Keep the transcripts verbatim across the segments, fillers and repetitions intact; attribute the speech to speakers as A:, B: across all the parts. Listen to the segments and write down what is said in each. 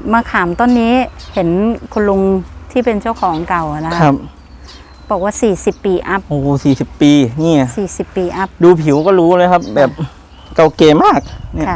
A: มะขามต้นนี้เห็นคุณลุงที่เป็นเจ้าของเก่านะครับบอกว่าสี่สิบปีอัพ
B: โอ้สี่สิบปีนี่
A: สี่สิบปีอัพ
B: ดูผิวก็รู้เลยครับแบบเก่าเก๋มากเนี่ย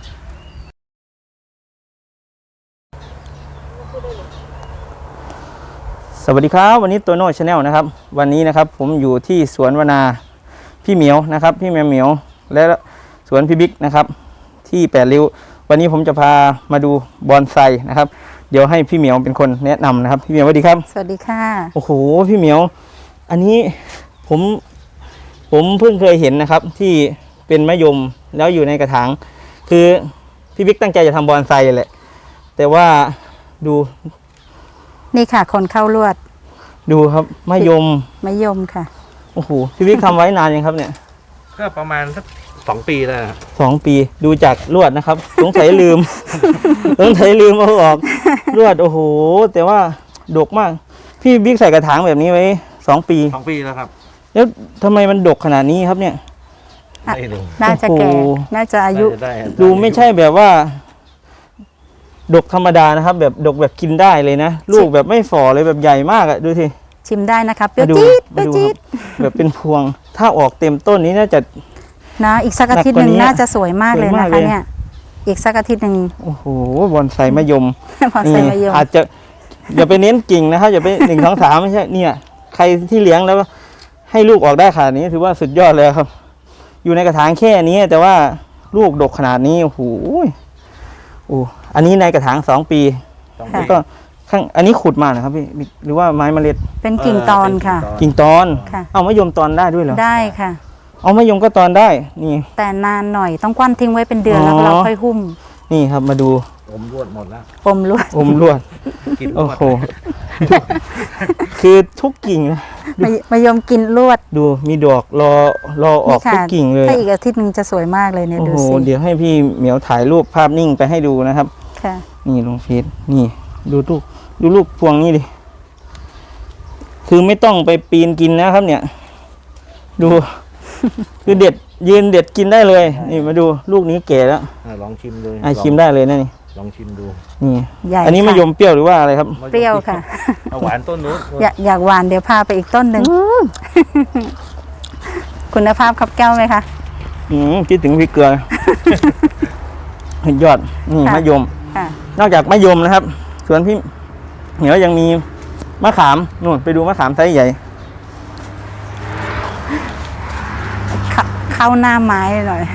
B: สวัสดีครับวันนี้ตัวโน้ชาแนลนะครับวันนี้นะครับผมอยู่ที่สวนวนาพี่เหมียวนะครับพี่แมวเหมียวและสวนพี่บิ๊กนะครับที่แปดริ้ววันนี้ผมจะพามาดูบอนไซนะครับเดี๋ยวให้พี่เหมียวเป็นคนแนะนำนะครับพี่เหมียวสวัสดีครับ
A: สวัสดีค่ะ
B: โอ้โหพี่เหมียวอันนี้ผมผมเพิ่งเคยเห็นนะครับที่เป็นมะยมแล้วอยู่ในกระถางคือพี่บิ๊กตั้งใจจะทำบอนไซแหละแต่ว่าดู
A: นี่ค่ะคนเข้าลวด
B: ดูครับมะยม
A: มะยมค่ะ
B: โอ้โหพี่บิ๊กทำไว้นานยังครับเนี่ย
C: ก็ประมาณสักสองปีแล้ว
B: สองปีดูจากลวดนะครับสงสัยลืมสงสัยลืมเอาออกลวดโอ้โหแต่ว่าดกมากพี่บิ๊กใส่กระถางแบบนี้ไว้สองปี
C: สองปีแล้วครับ
B: แล้วทำไมมันดกขนาดนี้ครับเนี่ย
A: น่าจะแก่น่าจะอายุ
B: ดูไม่ใช่แบบว่าดกธรรมดานะครับแบบดกแบบกินได้เลยนะลูกแบบไม่ฝ่อเลยแบบใหญ่มากอะดูสิ
A: ชิมได้นะครับเปรี้ยวจี๊ดเปรี้ยวจี๊ด
B: แบบเป็นพวงถ้าออกเต็มต้นนี้น่าจะ
A: นะอีกสักอาทิตย์หนึ่งน่าจะสวยมากเลยนะคะเนี่ยอีกสักอาทิตย์หนึ่ง
B: โอ้โหบอนไซมะยม
A: บอนไซมะยม
B: อาจจะอย่าไปเน้นกิ่งนะครับอย่าไปหนึ่งสองสามไม่ใช่เนี่ยใครที่เลี้ยงแล้วให้ลูกออกได้ขนาดนี้ถือว่าสุดยอดเลยครับอยู่ในกระถางแค่นี้แต่ว่าลูกดกขนาดนี้โอ้โหโอ้อันนี้ในกระถางสองปีแล้วก็ข้างอันนี้ขุดมานะครับพี่หรือว่าไม้เมล็ด
A: เป็นกิ่งตอนค่ะ
B: กิ่งตอนเอามะยมตอนได้ด้วยเหรอ
A: ได้ค่ะ
B: เอามะยมก็ตอนได้นี่
A: แต่นานหน่อยต้องกว้านทิ้งไว้เป็นเดือนแล้วเราค่อยหุ้ม
B: นี่ครับมาดู
C: อมลวดหมดแล้ว
A: อมลวด
B: อมลวดโอ้โหคือทุกกิ่งนะ
A: มะยมกินลวด
B: ดูมีดอกรอรอออกทุกกิ่งเลย
A: ถ้าอีกอาทิตย์นึงจะสวยมากเลยเนี่ยดูสิ
B: เดี๋ยวให้พี่เหมียวถ่ายรูปภาพนิ่งไปให้ดูนะครับ
A: ค่ะ
B: นี่ลงเฟซนี่ดูลูกดูลูกพวงนี่ดิคือไม่ต้องไปปีนกินนะครับเนี่ยดูคือเด็ดยืนเด็ดกินได้เลยนี่มาดูลูกนี้แก่แล้ว
C: ลองชิมดู
B: อ่ะชิมได้เลยนะนี่
C: ลองชิมดู
B: นี่อันนี้มะยมเปรี้ยวหรือว่าอะไรครับ
A: เปรี้ยวค่ะ
C: หวานต้นนู้น
A: อยากอยากหวานเดี๋ยวพาไปอีกต้นหนึ่งคุณภาพครับแก้วไหมคะ
B: อืมคิดถึงพริกเกลือยอดนี่มะยมนอกจากมะยมนะครับส่วนพี่เหนียวยังมีมะขามนู่นไปดูมะขามไซส์ใหญ่
A: เข้าหน้าไม้หน่อย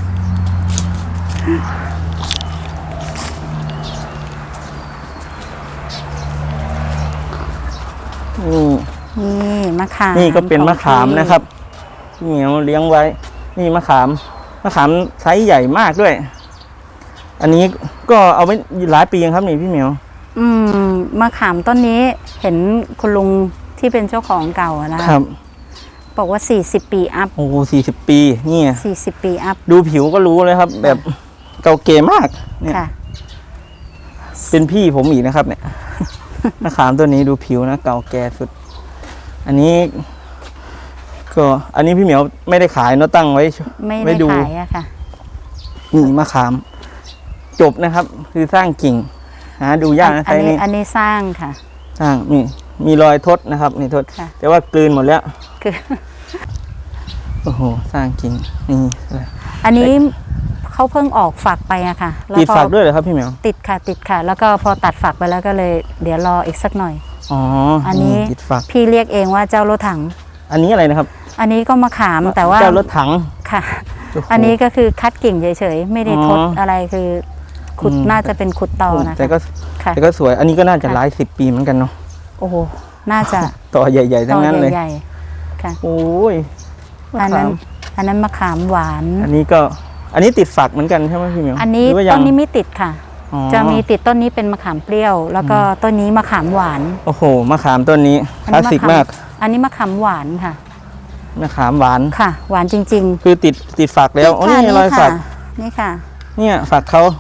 B: นี่
A: นี่มะขาม
B: นี่ก็เป็นมะขามนะครับพี่เหนียวเลี้ยงไว้นี่มะขามมะขามไซส์ใหญ่มากด้วยอันนี้ก็เอาไว้หลายปีครับนี่พี่เหมียว
A: อืมมะขามต้นนี้เห็นคุณลุงที่เป็นเจ้าของเก่านะครับบอกว่าสี่สิบปีอัพ
B: โอ้สี่สิบปีนี่
A: สี่สิบปีอัพ
B: ดูผิวก็รู้เลยครับแบบเก่าเก๋มากเนี่ยเป็นพี่ผมอีกนะครับเนี่ยมะขามตัวนี้ดูผิวนะเก่าแก่สุดอันนี้ก็อันนี้พี่เหมียวไม่ได้ขายเนาะตั้งไว้
A: ไม่ได้ขายอะค่ะ
B: นี่มะขามจบนะครับคือสร้างกิ่งหาดูยากนะ
A: ไซนี้อันนี้สร้างค่ะ
B: สร้างนี่มีรอยทดนะครับนี่ทดแต่ว่ากลืนหมดแล้วคือโอ้โหสร้างกิ่งนี่
A: อันนี้เขาเพิ่งออกฝักไปอะค่ะ
B: ติดฝักด้วยเหรอครับพี่เหมียว
A: ติดค่ะติดค่ะแล้วก็พอตัดฝักไปแล้วก็เลยเดี๋ยวรออีกสักหน่อย
B: อ๋อ
A: อันนี้พี่เรียกเองว่าเจ้ารถถัง
B: อันนี้อะไรนะครับ
A: อันนี้ก็มะขามแต่ว่า
B: เจ้ารถถัง
A: ค่ะอันนี้ก็คือคัดกิ่งเฉยๆไม่ได้ทดอะไรคือขุดน่าจะเป็นขุดตอนะ
B: แต่ก็แต่ก็สวยอันนี้ก็น่าจะหลายสิบปีเหมือนกันเนาะ
A: โอ้โหน่าจะ
B: ต่อใหญ่ๆทั้งนั้นเลย
A: ใหญ่ค่ะ
B: โอ้ย
A: อันนั้นอันนั้นมะขามหวาน
B: อันนี้ก็อันนี้ติดฝักเหมือนกันใช่ไหมพี่เหมียว
A: อันนี้ต้นนี้ไม่ติดค่ะจะมีติดต้นนี้เป็นมะขามเปรี้ยวแล้วก็ต้นนี้มะขามหวาน
B: โอ้โหมะขามต้นนี้คลาสสิกมาก
A: อันนี้มะขามหวานค่ะ
B: มะขามหวาน
A: ค่ะหวานจริง
B: ๆคือติดติดฝักแล้วโอ้นี่รอยฝัก
A: นี่ค่ะ
B: เนี่ยฝักเขา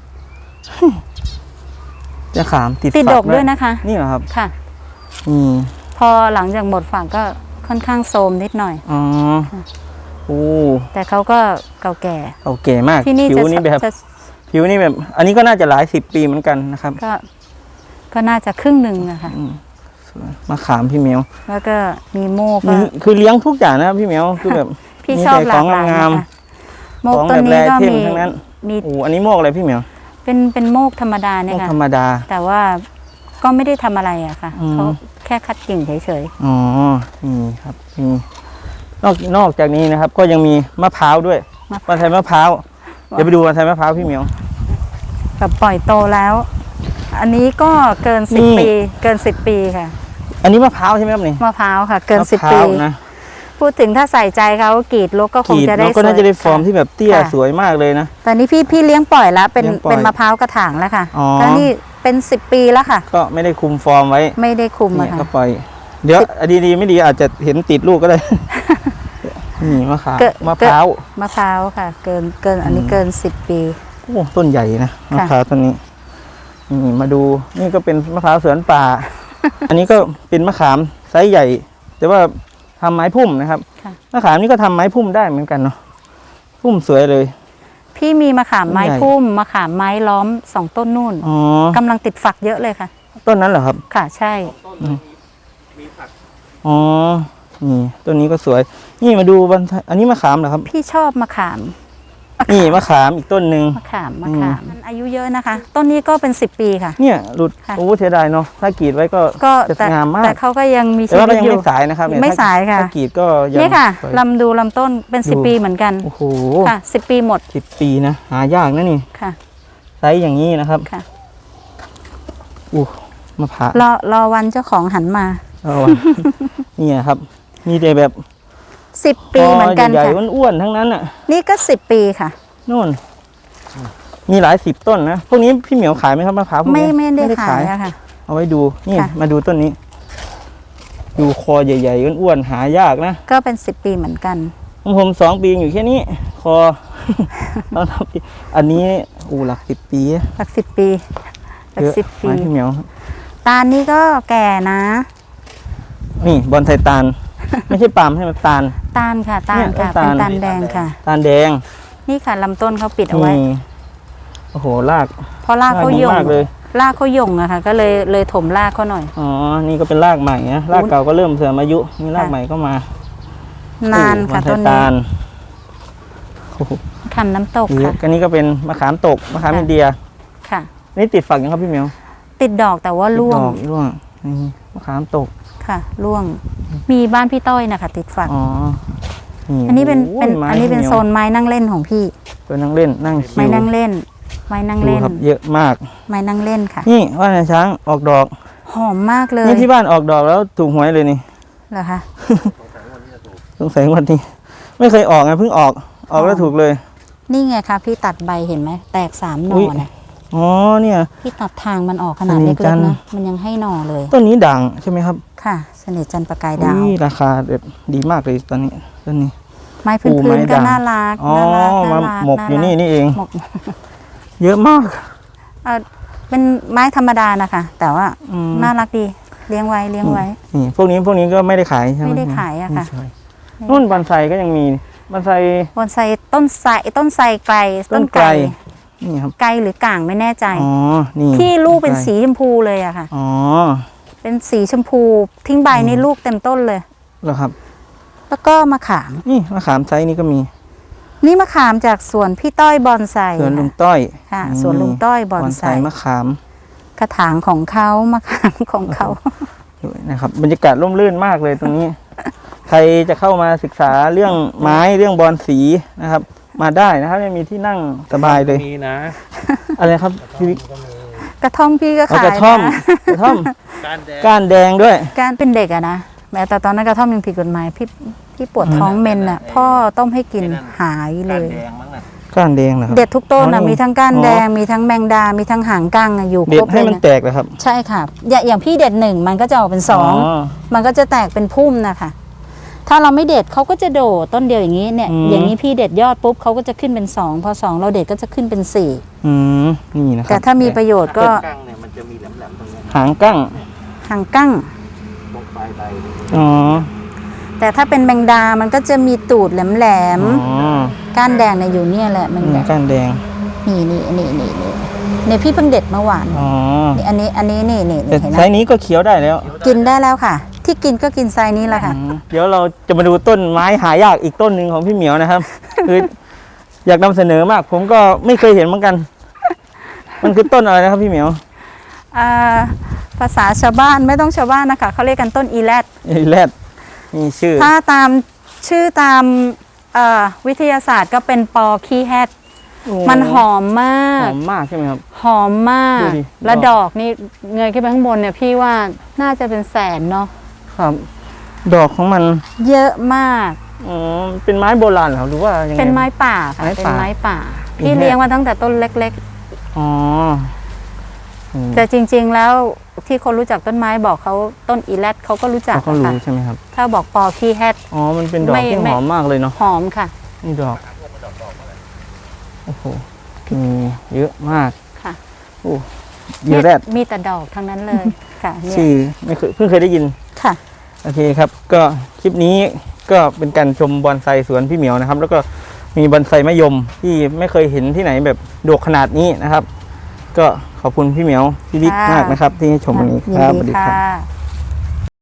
B: จะขามติด
A: ติดดกด้วยนะคะ
B: นี่เหรอครับ
A: ค่ะ
B: อืม
A: พอหลังจากหมดฝักก็ค่อนข้างโทรมนิดหน่อย
B: อ๋อโอ้
A: แต่เขาก็เก่าแก่
B: เก่าแก่มาก
A: ที่นี่จะ
B: ผิวนี่แบบ อันนี้ก็น่าจะหลายสิบปีเหมือนกันนะครับ
A: ก็ก็น่าจะครึ่งหนึ่งอะค่ะ
B: อืมสวยมะขามพี่เหมียว
A: แล้วก็มีโมก
B: มี
A: ก็
B: คือเลี้ยงทุกอย่างนะครับพี่เหมียวคือแบบ
A: พี่
B: มี
A: ชอบ
B: แต่
A: หลากหลาย
B: ของงาม
A: นะคะโม
B: ๆ
A: ก
B: ของ
A: ต้
B: แบ
A: น
B: บแร
A: นี้ก็
B: เท่ง
A: มี
B: ทั้งนั้น
A: มี
B: โอ้อันนี้โมกอะไรพี่เหมียว
A: เป็นเป็นโมกธรรมดา
B: โม
A: เนี่ย
B: ก
A: ค่ะ
B: ธรรมดา
A: แต่ว่าก็ไม่ได้ทำอะไรอะค่ะ
B: อืม
A: เขาแค่คัดกิ่งเฉย
B: อ๋อนี่ครับมีนอกนอกจากนี้นะครับ ก็ยังมีมะพร้าวด้วย
A: มะ
B: บอนไซมะพร้าวเดี๋ยวไปดูบอนไซมะพร้าวพี่เหมียว
A: ๆแบบปล่อยโตแล้ว อันนี้ก็เกินสิบ
B: นี่
A: ปีเกินสิบปีค่ะ
B: อันนี้มะพร้าวใช่ไหมครับนี่
A: มะพร้าวค่ะ เกิน
B: มะ
A: สิบ
B: พร้า
A: ปี
B: วนะ
A: พูดถึงถ้าใส่ใจเขากรีดลกก็ค
B: ก
A: ง
B: รีด
A: จะได้
B: แล้วก็น่าจะได้ฟอร์ม
A: ค่ะ
B: ที่แบบเตี้ย
A: ค่ะ
B: สวยมากเลยนะ
A: แต่นี้พี่พี่เลี้ยงปล่อยแล้วเป็น
B: เลี้ยงปล่อย
A: เป็นมะพร้าวกระถางแล้วค่ะ
B: อ๋อ
A: แล้วนี่เป็นสิบปีแล้วค่ะ
B: ก็ไม่ได้คุมฟอร์มไว้
A: ไม่ได้คุม
B: เนี่
A: อะ
B: ย
A: ค่ะ
B: ก็ปล่อย เดี๋ยวดีดีๆไม่ดีอาจจะเห็นติดลูกก็ได้ นี่มะขาม
A: เกิด
B: มะพร้าว
A: มะพร้าวค่ะ เกินเกินอันนี้เกินสิบปี
B: โอ้ต้นใหญ่นะมะพร้าวต้นนี้นี่มาดูนี่ก็เป็นมะพร้าวสวนป่า อันนี้ก็เป็นมะขามไซส์ใหญ่ แต่ว่าทำไม้พุ่มนะครับ
A: ค่ะ
B: มะขามนี่ก็ทำไม้พุ่มได้เหมือนกันเนาะพุ่มสวยเลย
A: พี่มีมะขามไม้
B: ใหญ่
A: พุ่มมะขามไม้ล้อมสองต้นนู่น
B: อ๋อก
A: ำลังติดฝักเยอะเลยค่ะ
B: ต้นนั้นเหรอครับ
A: ค่ะใช่
B: อ๋อนี่ต้นนี้ก็สวย นี่มาดูบอนไซอันนี้มะขามเหรอครับ
A: พี่ชอบมะขาม
B: นี่มะขามอีกต้นหนึ่ง
A: มะขามมะขามมันอายุเยอะนะคะ ต้นนี้ก็เป็นสิบปีค่ะ
B: เนี่ยหลุด
A: ค่ะ
B: โอ้เสียดายเนาะถ้ากรีดไว้ก็
A: ก็
B: จะ
A: แต่
B: งามมา
A: แต่
B: ก
A: เขาก็ยังมี
B: แต่
A: ชี
B: ว่า
A: วิ
B: ก็
A: ต
B: ยัง
A: อยู่
B: ไม่สายนะครับเนี่ย
A: ไม่
B: ถ้
A: สายค่ะ
B: ถ้ากรีดก็ยัง
A: นี่ค่ะ
B: สวย
A: ลำดูลำต้นเป็นสิบ
B: ดู
A: ปีเหมือนกัน
B: โอ้โห
A: ค่ะสิบปีหมด
B: สิบปีนะหายากนะนี่
A: ค่ะ
B: ไซส์อย่างนี้นะครับ
A: ค่ะ
B: อู้มะพร้าว
A: รอรอวันเจ้าของหันมา
B: เอาวะ เนี่ยครับ มีแต่แบบ
A: สิบปีเหมือนกัน
B: ใหญ่
A: ค่ะ
B: ๆอ้วนๆทั้งนั้นอ่ะ
A: นี่ก็สิบปีค่ะ
B: นู่น มีหลายสิบต้นนะพวกนี้พี่เหมียวขายไหมครับมะพร้าวพวก
A: ไม่
B: นี้
A: ไม่ได้ขายอะค่ะ
B: เอาไว้ดูนี่
A: ค่ะ
B: มาดูต้นนี้ ดูคอใหญ่ๆอ้วนๆหายากนะ
A: ก็เป็นสิบปีเหมือนกัน
B: ของผมสองปีอยู่แค่นี้ คอ ตอนทำปีอันนี้อูหลักสิบปี
A: หลักสิบปีหลัก
B: เยอะ
A: สิบปี
B: ไม้พี่เหมียว
A: ตาลนี่ก็แก่นะ
B: นี่บอนไทตาล ไม่ใช่ปาล์มใช่ไหมตาล
A: ตาลค่ะตา
B: เนี่
A: ล
B: ย
A: ค่ะ
B: ต้
A: เป็น
B: นตาล
A: ตาลแดงค่ะ
B: ตาลแดง
A: นี่ค่ะลำต้นเขาปิดเอาไว้
B: นี่โอ้โหราก
A: เพราะรากเขา
B: ดี
A: หย่ง
B: มากเลย
A: รากเขาหย่งอะค่ะ ก็เลยเลยถมรากเขาหน่อย
B: อ๋อ นี่ก็เป็นรากใหม่นะรากเก่าก็เริ่มเสื่อมอายุนี่ราก
A: ค่ะ
B: ใหม่ก็มาน
A: านค่ะ
B: โอ้
A: ต้น
B: บอ
A: นี้
B: ไทตาลโอ้โห
A: คำน้ำตก
B: เยอะ
A: ค่ะ
B: อันนี้ก็เป็นมะขามตกมะขาม
A: ค่ะ
B: อินเดีย
A: ค่ะ
B: นี่ติดฝักยังครับพี่เหมียว
A: ติดดอกแต่ว่าร่วง
B: ดอกร่วงนี่มะขามตก
A: ค่ะร่วง มีบ้านพี่ต้อยนะคะติดฝัก
B: อ๋อ
A: อันนี้เป็น
B: โอ้ย
A: เป็น
B: ไม้
A: อันนี้เป็น
B: พี่หมียว
A: โซนไม้นั่งเล่นของพี่
B: เป็นนั่งเล่นนั่งชิว
A: ไม้นั่งเล่น ไม้นั่ง
B: ดู
A: เล่น
B: ครับเยอะมาก
A: ไม้นั่งเล่นค่ะ
B: นี่ว่านช้างออกดอก
A: หอมมากเลย
B: นี่ที่บ้านออกดอกแล้วถูกหวยเลยนี่
A: เหรอคะ
B: สงสัยงวันนี้ ไม่เคยออกไงเพิ่งออกออกแล้วถูกเลย
A: นี่ไงคะพี่ตัดใบเห็นไหมแตกสามหน่
B: อุ๊
A: อย นะ
B: อ๋อเนี่ย
A: พี่ตัดทางมันออกขนาด
B: สนิ
A: เล็
B: ทจั
A: ก
B: น
A: ๆนะมันยังให้หน่อเลย
B: ต้นนี้ด่างใช่ไหมครับ
A: ค่ะเสน่ห์จันทร์ประกายดาว
B: อุ้ยราคาแบบดีมากเลยตอนนี้ต้นนี้
A: ไม้
B: ปู
A: พื้
B: ไม้
A: นๆก็
B: ด่าง
A: น่ารัก
B: อ๋อ
A: น่ารัก
B: มา
A: น่ารัก
B: หมกอยู่นี่
A: ารั
B: นี่เอง
A: หมก
B: เยอะมาก
A: เอ่อเป็นไม้ธรรมดานะคะ แต่ว่า
B: อืม
A: น่ารักดีเลี้ยงไว้เลี้ยงไว้
B: นี่พวกนี้พวกนี้ก็ไม่ได้ขายใช่ไหม
A: ไม่ได้ขายอะค่ะ
B: ไม่ใช่นู่นบอนไซก็ยังมีบอนไซ
A: บอนไซต้นไทรต้นไทรไกล
B: ต้นไกลนี่ครับ
A: ไกลหรือก่างไม่แน่ใจ
B: อ๋อนี่
A: ที่ลูกเป็น
B: ไ
A: สีชมพูเลยอะค่ะ
B: อ๋อ
A: เป็นสีชมพู ทิ้งใบในลูกเต็มต้นเลย
B: เหรอครับ
A: แล้วก็มะขาม
B: นี่มะขามไซส์นี้ก็มี
A: นี่มะขามจากสวนพี่ต้อยบอนไซ
B: สวนลุง
A: ค่ะ
B: ต้อย
A: ค่ะสวนลุงต้อยบอนไซ
B: มะขาม
A: กระถางของเขามะขามของเขา
B: ด้วยนะครับบรรยากาศร่มรื่นมากเลยตรงนี้ ใครจะเข้ามาศึกษาเรื่องไม้เรื่องบอนสีนะครับ มาได้นะครับยังมีที่นั่งสบายเลย
C: มีนะ
B: อะไรครับพี่วิก
A: กระท่อมพี่ก็
B: เอา
A: ขาย
B: กระท่อม
A: นะ
B: กระท่อม
C: การแดง
B: ก้านแดงด้วย
A: การเป็นเด็กอะนะแม้แต่ตอนนั้นกระท่อมยังผิดกฎหมายพี่พี่ปวดท้องเมนอะพ่อต้มให้กินหายเล
C: การ
A: ย
C: แดงมั้งน่ะ
B: ก้านแดงเหรอครับ
A: เด็ดทุกต้น
B: อ๋อ
A: อะ
B: นี่
A: มีทั้งก้าน
B: อ๋อ
A: แดงมีทั้งแมงดา มีทั้งหางกั้งอะอยู่ค
B: เด็
A: ร
B: ด
A: บ
B: ให้
A: เลย
B: มัน
A: นะ
B: แตกเลยครับ
A: ใช่ค่ะอย่าอย่างพี่เด็ดหนึ่งมันก็จะออกเป็นสองมันก็จะแตกเป็นพุ่มนะคะถ้าเราไม่เด็ดเขาก็จะโดดต้นเดียวอย่างนี้เนี่ย
B: อืม
A: อย่างนี้พี่เด็ดยอดปุ๊บเขาก็จะขึ้นเป็นสองพอสองเราเด็ดก็จะขึ้นเป็นสี่
B: อืมนี่นะค
A: แต่
B: รับ
A: ถ้ามีประโยชน์ก็
C: กั้งเนี่ยมันจะมีแหลมๆตรงเนี้ย
B: หางกั้ง
A: หางกั้ง
C: ตรงปลายใบเลย
B: อ๋อ
A: แต่ถ้าเป็นแมงดา มันก็จะมีตูดแหลม
B: อ๋อ
A: ๆก้านแดงเนี่ยอยู่เนี่ยแหละแมง
B: นี่
A: ดา
B: ก้านแดง
A: นี่นี่นี่นี่นี่เนี่ยพี่เพิ่งเด็ดเมื่อวาน
B: อ๋อ
A: นี่อันนี้อันนี้นี่นี่
B: แต่
A: เห็นไห
B: ไซ
A: ม
B: ส์นี้ก็เคี้ยวได้แล้ว
A: กินได้แล้วค่ะ ที่กินก็กินไซส์นี้แหละค่ะ
B: อืมเดี๋ยวเราจะมาดูต้นไม้หายากอีกต้นหนึ่งของพี่เหมียวนะครับ คืออยากนำเสนอมาก ผมก็ไม่เคยเห็นเหมือนกัน มันคือต้นอะไรนะครับพี่เหมียว
A: อ่าภาษาชาวบ้านไม่ต้องชาวบ้านนะคะเขาเรียกกันต้นอีแรด
B: ไอ้แรดมีชื่อ
A: ถ้าตามชื่อตามเอ่อวิทยาศาสตร์ก็เป็นปอขี้แฮด
B: โอ้
A: มันหอมมา
B: ห
A: ก
B: อมมากใช่ไหมครับ
A: หอมมาก
B: ดูดิ
A: และดอกนี่เงยขึ้นไปข้างบนเนี่ยพี่ว่าน่าจะเป็นแสนเนาะ
B: ครับ ดอกของมัน
A: เยอะมาก
B: อ๋อเป็นไม้โบราณเหรอครับหรือว่ายังไง
A: เป็นไม้ป่าค่ะ
B: ไม้
A: เป็น
B: ป่า
A: ไม้ป่า
B: อี
A: พี่
B: แฮด
A: เลี้ยงมาตั้งแต่ต้นเล็ก
B: อ๋ออืม
A: ๆ แต่จริง ๆ แล้วที่คนรู้จักต้นไม้บอกเขาต้นอีแรดเขาก็รู้จัก
B: เขาก็
A: นะ
B: รู้
A: คะ
B: ใช่ไหมครับ
A: ถ้าบอกปอขี้แฮด
B: อ๋อ มันเป็นดอก
A: ไม่
B: ที่
A: ไม่
B: หอมมากเลยเนาะ
A: หอมค่ะ
B: นี่ดอก โอ้โห มีเยอะมาก
A: ค่ะ
B: โอ้เยอะแรด
A: มีแต่ดอกทั้งนั้นเลยค่ะเนี่ย
B: ชื่อไม่เคยเพิ่งเคยได้ยิน
A: ค่ะ
B: โอเคครับ ก็คลิปนี้ก็เป็นการชมบอนไซสวนพี่เหมียวนะครับ แล้วก็มีบอนไซมะยมที่ไม่เคยเห็นที่ไหนแบบดกขนาดนี้นะครับ ก็ขอบคุณพี่เหมียวพี่บิ๊ก
A: ค่ะ
B: มากนะครับ ที่ให้ชมวันนี้
A: ยิน
B: ครับส
A: ดี
B: วัสดี
A: ค่
B: ครับ
A: ะ